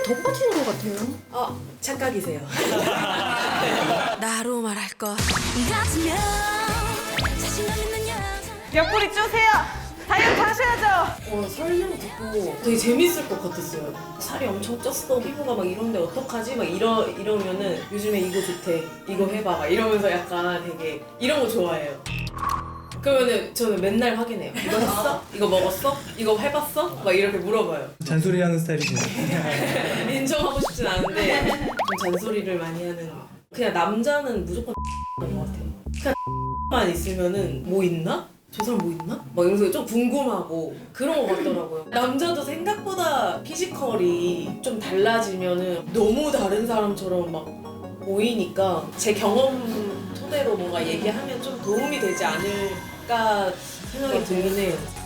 덧붙이는 것 같아요. 착각이세요. 나로 말할 것 같으면 자신감 있는 여자 옆구리 쪼세요. 다이어트 하셔야죠. 설명 듣고 되게 재밌을 것 같았어요. 살이 엄청 쪘어. 피부가 막 이런데 어떡하지? 막 이러면은 요즘에 이거 좋대. 이거 해봐. 막 이러면서 약간 되게 이런 거 좋아해요. 그러면은 저는 맨날 확인해요. 이거 했어? 이거 먹었어? 이거 해봤어? 막 이렇게 물어봐요. 잔소리하는 스타일이시네. 인정하고 싶진 않은데 좀 잔소리를 많이 하는. 그냥 남자는 무조건 것 같아요. 그냥 만 있으면은 뭐 있나? 저 사람 뭐 있나? 막 이러면서 좀 궁금하고 그런 것 같더라고요. 남자도 생각보다 피지컬이 좀 달라지면은 너무 다른 사람처럼 막 보이니까 제 경험 토대로 뭔가 얘기하면 좀 도움이 되지 않을까 생각이 들긴 해요.